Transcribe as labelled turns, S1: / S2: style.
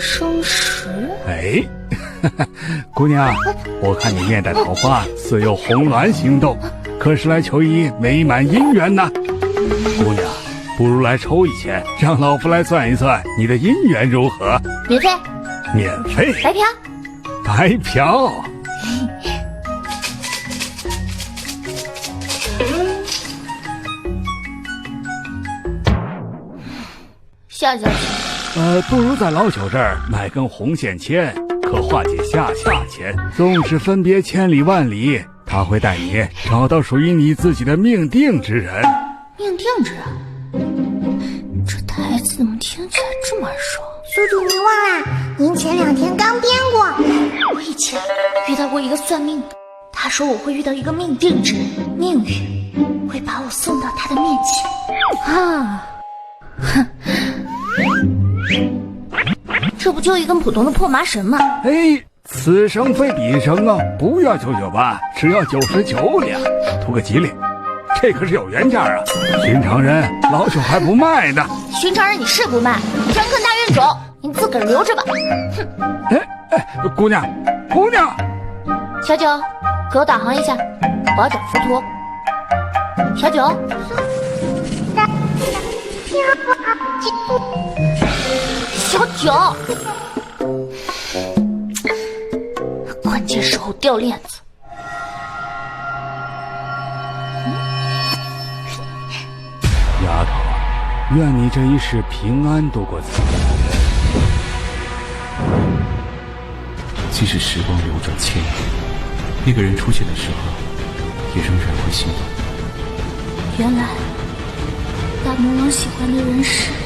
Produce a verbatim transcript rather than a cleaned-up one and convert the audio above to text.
S1: 生石。
S2: 哎，姑娘，我看你面带桃花，似有红鸾行动，可是来求一美满姻缘呢？姑娘，不如来抽一签，让老夫来算一算你的姻缘如何？
S1: 免费？
S2: 免费？
S1: 白嫖？
S2: 白嫖？
S1: 下下去。
S2: 呃，不如在老朽这儿买根红线签，可化解下下签。纵使分别千里万里，他会带你找到属于你自己的命定之人。
S1: 命定之人？这台词怎么听起来这么耳熟？
S3: 宿主您忘啦，您前两天刚编过。
S1: 我以前遇到过一个算命的，他说我会遇到一个命定之人，命运会把我送到他的面前。啊，哼。这不就一根普通的破麻绳吗？
S2: 哎，此生非彼生啊！不要九九八，只要九十九两，图个吉利。这可是有原价啊！寻常人老朽还不卖呢。
S1: 寻常人你是不卖，专坑大冤种，你自个儿留着吧。哼！
S2: 哎哎，姑娘，姑娘，
S1: 小九，给我导航一下，我要找浮屠。小九。小九，关键时候掉链子。
S2: 丫头，愿你这一世平安度过此生。
S4: 即使时光流转千年，那个人出现的时候，也仍然会心动。
S1: 原来大魔王喜欢的人是。